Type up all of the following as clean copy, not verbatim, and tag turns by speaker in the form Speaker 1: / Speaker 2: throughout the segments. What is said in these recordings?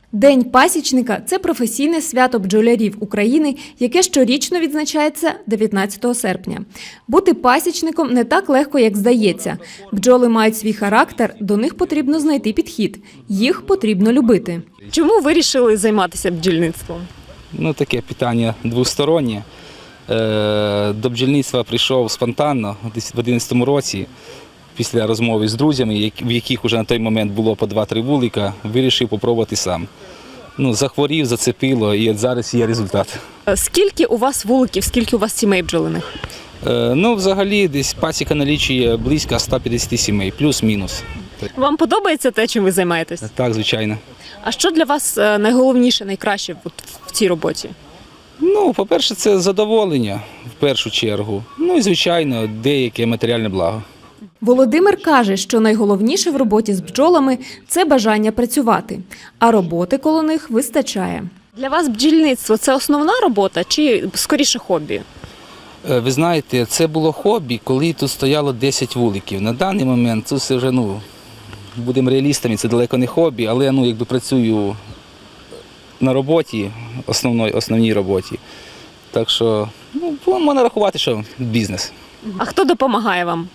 Speaker 1: День пасічника – це професійне свято бджолярів України, яке щорічно відзначається 19 серпня. Бути пасічником не так легко, як здається. Бджоли мають свій характер, до них потрібно знайти підхід. Їх потрібно любити.
Speaker 2: Чому вирішили займатися бджільництвом?
Speaker 3: Таке питання двостороннє. До бджільництва прийшов спонтанно, десь в 2011 році, після розмови з друзями, в яких вже на той момент було по 2-3 вулика, вирішив спробувати сам. Захворів, зацепило, і от зараз є результат.
Speaker 2: Скільки у вас вуликів, скільки у вас сімей бджолиних?
Speaker 3: Взагалі, десь пасіка налічує близько 150 сімей, плюс-мінус.
Speaker 2: Вам подобається те, чим ви займаєтесь?
Speaker 3: Так, звичайно.
Speaker 2: А що для вас найголовніше, найкраще в цій роботі?
Speaker 3: По-перше, це задоволення, в першу чергу. І, звичайно, деяке матеріальне благо.
Speaker 1: Володимир каже, що найголовніше в роботі з бджолами – це бажання працювати, а роботи коло них вистачає.
Speaker 2: Для вас бджільництво – це основна робота чи скоріше хобі?
Speaker 3: Ви знаєте, це було хобі, коли тут стояло 10 вуликів. На даний момент це все вже, будемо реалістами, це далеко не хобі, але я працюю на роботі, основній роботі. Так що, можна рахувати, що бізнес.
Speaker 2: А хто допомагає вам?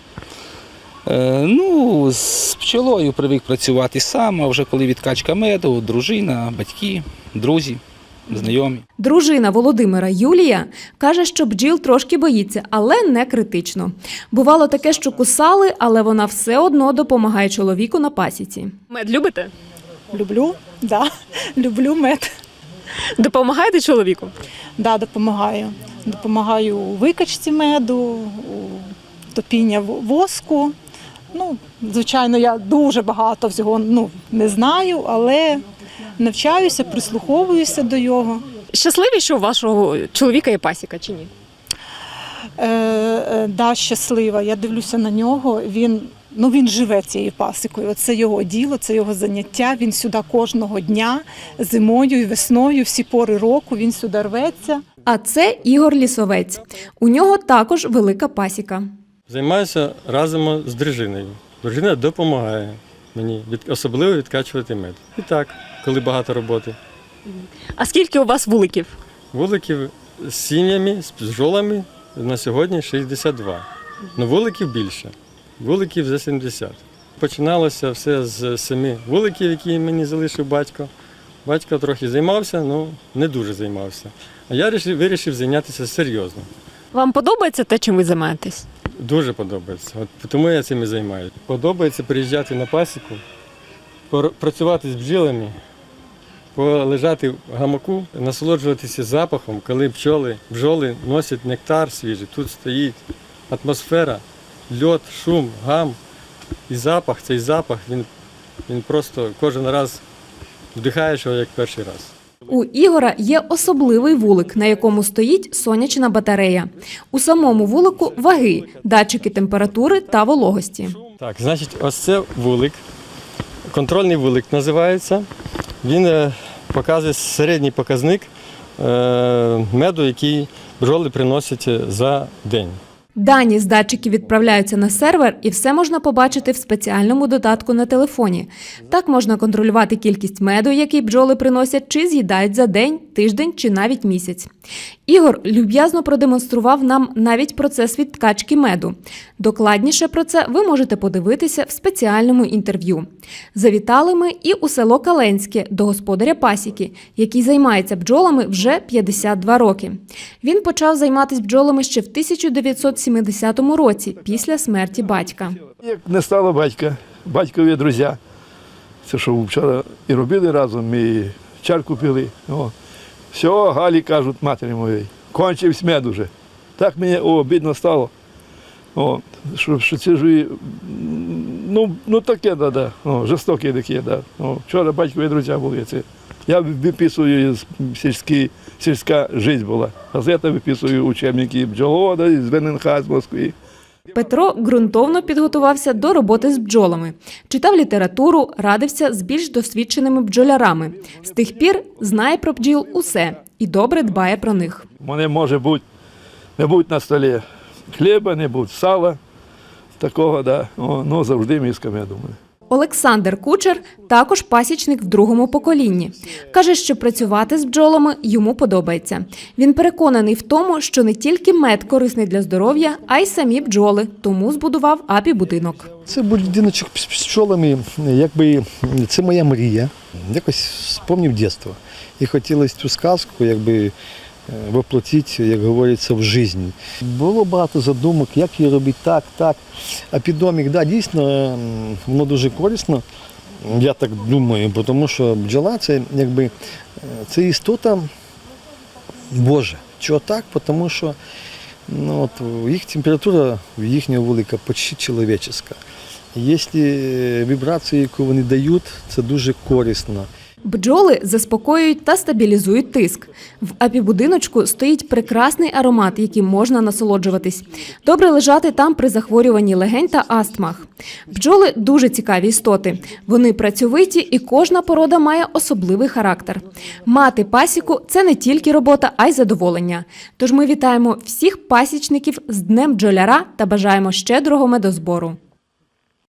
Speaker 3: З пчолою привик працювати сам, а вже коли відкачка меду, дружина, батьки, друзі, знайомі.
Speaker 1: Дружина Володимира Юлія каже, що бджіл трошки боїться, але не критично. Бувало таке, що кусали, але вона все одно допомагає чоловіку на пасіці.
Speaker 2: Мед любите?
Speaker 4: Люблю, да, люблю мед.
Speaker 2: Допомагаєте чоловіку?
Speaker 4: Да, допомагаю. Допомагаю у викачці меду, у топіння воску. Звичайно, я дуже багато всього не знаю, але навчаюся, прислуховуюся до його.
Speaker 2: Щасливі, що у вашого чоловіка є пасіка чи ні?
Speaker 4: Да, щаслива. Я дивлюся на нього. Він живе цією пасікою. Це його діло, це його заняття. Він сюди кожного дня, зимою і весною, всі пори року він сюди рветься.
Speaker 1: А це Ігор Лісовець. У нього також велика пасіка.
Speaker 5: Займаюся разом з дружиною. Дружина допомагає мені, особливо відкачувати мед. І так, коли багато роботи.
Speaker 2: А скільки у вас вуликів?
Speaker 5: Вуликів з сім'ями, з бджолами на сьогодні 62. Вуликів більше. Вуликів за 70. Починалося все з 7 вуликів, які мені залишив батько. Батько трохи займався, але не дуже займався. А я вирішив зайнятися серйозно.
Speaker 2: Вам подобається те, чим ви займаєтесь?
Speaker 5: Дуже подобається. Тому я цим і займаюся. Подобається приїжджати на пасіку, працювати з бджілами, полежати в гамаку, насолоджуватися запахом, коли бджоли носять нектар свіжий. Тут стоїть атмосфера, льот, шум, гам і запах. Цей запах, він просто кожен раз вдихаєш його як перший раз.
Speaker 1: У Ігора є особливий вулик, на якому стоїть сонячна батарея. У самому вулику ваги, датчики температури та вологості.
Speaker 5: Так, значить, ось це вулик, контрольний вулик називається. Він показує середній показник меду, який бджоли приносять за день.
Speaker 1: Дані з датчиків відправляються на сервер, і все можна побачити в спеціальному додатку на телефоні. Так можна контролювати кількість меду, який бджоли приносять, чи з'їдають за день, тиждень чи навіть місяць. Ігор люб'язно продемонстрував нам навіть процес відкачки меду. Докладніше про це ви можете подивитися в спеціальному інтерв'ю. Завітали ми і у село Каленське до господаря пасіки, який займається бджолами вже 52 роки. Він почав займатися бджолами ще в 1970 році, після смерті батька.
Speaker 6: Як не стало батька, батькові друзі, це що вчора і робили разом, і чарку пили. Все, Галі кажуть матері моїй, кончився мед уже. Так мені обідно стало. Що це ж, таке, жорстоке таке. Вчора батькові друзі були. Я виписую, сільська життя була. Газета виписую учебники бджоловода з ВННХ з Москви.
Speaker 1: Петро ґрунтовно підготувався до роботи з бджолами. Читав літературу, радився з більш досвідченими бджолярами. З тих пір знає про бджіл усе і добре дбає про них.
Speaker 6: Мене може бути, не бути на столі хліба, не бути сала, такого, завжди миска меду.
Speaker 1: Олександр Кучер також пасічник в другому поколінні. Каже, що працювати з бджолами йому подобається. Він переконаний в тому, що не тільки мед корисний для здоров'я, а й самі бджоли, тому збудував апі-будинок.
Speaker 7: Це будиночок з пчолами, якби це моя мрія. Якось спомнив дитинство. І хотілося цю сказку якби воплотити, як говориться, в життя. Було багато задумок, як її робити так. А піддомик, да, дійсно, воно дуже корисно, я так думаю, тому що бджола це якби це істота Божа. Чого так? Тому що їх температура їхнього вулика почти чоловіческа. Якщо вібрації, яку вони дають, це дуже корисно.
Speaker 1: Бджоли заспокоюють та стабілізують тиск. В апі-будиночку стоїть прекрасний аромат, яким можна насолоджуватись. Добре лежати там при захворюванні легень та астмах. Бджоли – дуже цікаві істоти. Вони працьовиті і кожна порода має особливий характер. Мати пасіку – це не тільки робота, а й задоволення. Тож ми вітаємо всіх пасічників з Днем бджоляра та бажаємо щедрого медозбору.